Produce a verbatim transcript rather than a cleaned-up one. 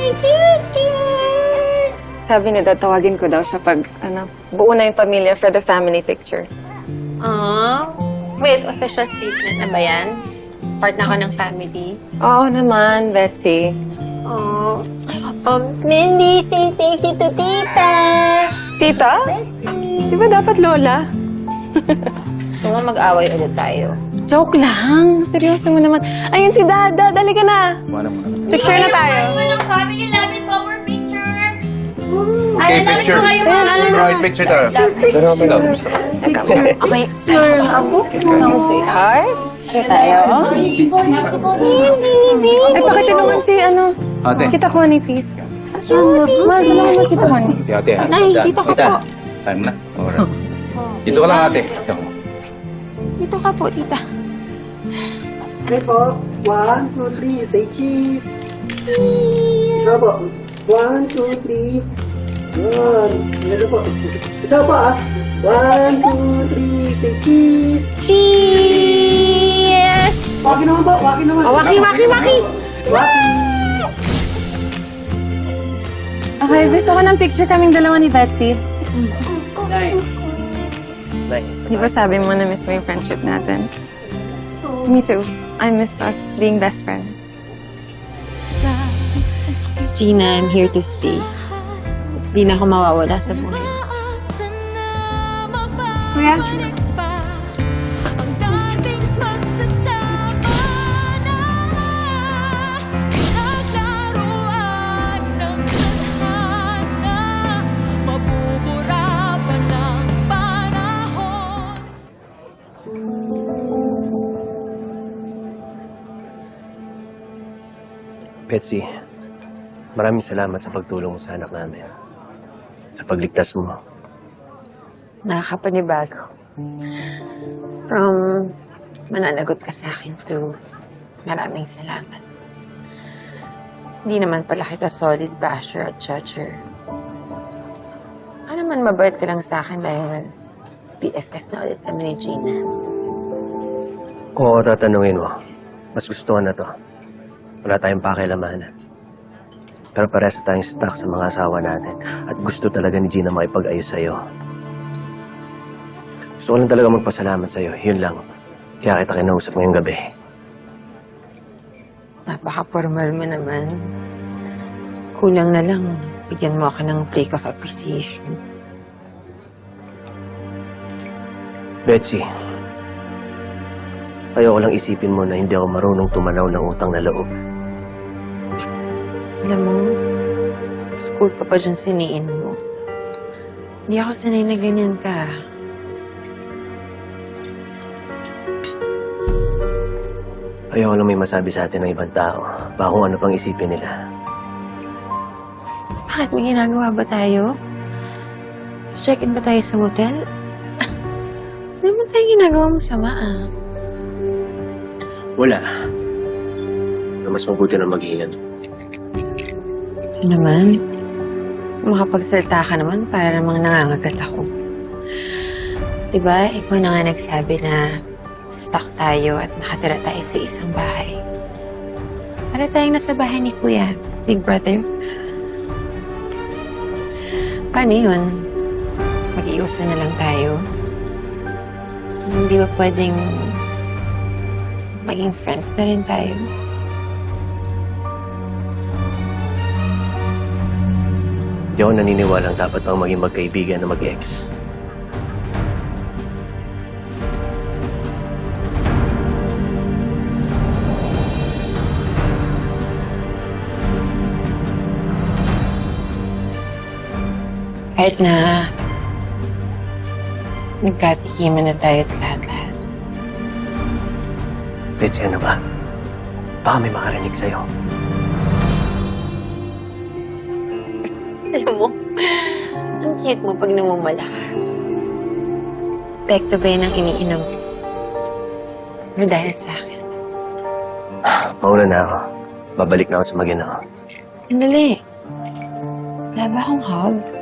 cute, cute! Sabi niya daw, tawagin ko daw siya pag, ano, buo na yung pamilya for the family picture. Aww. Wait, official statement na ba yan? Part na ako ng family. Oo naman, Betsy. Aww. Um, Mindy, say thank you to Tita! Tita? Di ba dapat Lola? Gusto mo mag-away ulit tayo? Joke lang. Seryoso mo naman. Ayun si Dada. Dali ka na. Picture na tayo. Walang family loving power picture. Okay, picture. Right, picture tayo. Pero may love. Okay. Ako, sweetheart. Sige tayo. Ay, pakitinungan si, ano, Ate. Kita Connie, please. Mahal, tulungan mo si Tita Connie. Si ate, ha? Nay, dito ka po. Time na. Alright. Dito ka lang, ate. Dito ka. Dito ka po, Tita. Okay po. One, two, three. Say cheese. Cheese. Isa po. One, two, three. Yun. Ano po? Isa po ah. One, two, three. Say cheese. Cheers! Waki naman po. Waki naman. Oh, waki, waki, waki! Waki. Okay, gusto ko ng picture kaming dalawa ni Betsy. Di ba sabi mo na miss mo yung friendship natin? Me too. I missed us being best friends. Gina, I'm here to stay. Hindi na ako mawawala sa buhay. Kuya? Betsy, maraming salamat sa pagtulong mo sa anak namin. Sa pagligtas mo. Nakakapanibago. From mananagot ka sa akin to maraming salamat. Hindi naman pala kita solid basher at judger. Ano man mabait ka lang sa akin dahil B F F na ulit kami ni Gina. Kung ako tatanungin mo, mas gusto na to. Wala tayong pakialamanan. Pero parehas tayong stuck sa mga asawa natin at gusto talaga ni Gina makipag-ayos sa'yo. Gusto ko lang talaga magpasalamat sa'yo. Yun lang. Kaya kita kinausap ngayong gabi. Napaka-formal mo naman. Kulang na lang, bigyan mo ako ng break of appreciation. Betsy, ayoko lang isipin mo na hindi ako marunong tumanaw ng utang na loob. Alam mo, school ka pa dyan siniin mo. Hindi ako sanay na ganyan ka. Ayoko lang may masabi sa atin ng ibang tao. Baka kung ano pang isipin nila. Bakit? May ginagawa ba tayo? Check-in ba tayo sa motel? Ano naman tayo ginagawa masama ah? Wala. Pero mas mabuti na mag-ingat. Ito naman. Makapagsalita ka naman para namang nangangagat ako. Diba, ikaw na nga nagsabi na stuck tayo at nakatira tayo sa isang bahay. Para tayong nasa bahay ni Kuya, Big Brother. Paano yun? Mag-iusan na lang tayo? Hindi ba pwedeng maging friends na rin tayo? Hindi ako naniniwalang dapat pang maging magkaibigan na mag-ex. Kahit na nagkatikiman na tayo at lahat-lahat. Betsy, ano ba? Baka may makarinig sa'yo. Alam mo, ang cute mo pag namumala ka. Pekto ba yun ang iniinom? Or dahil sa akin? Mauna na ako. Babalik na ako sa magina ko. Sandali. Wala ba akong hug?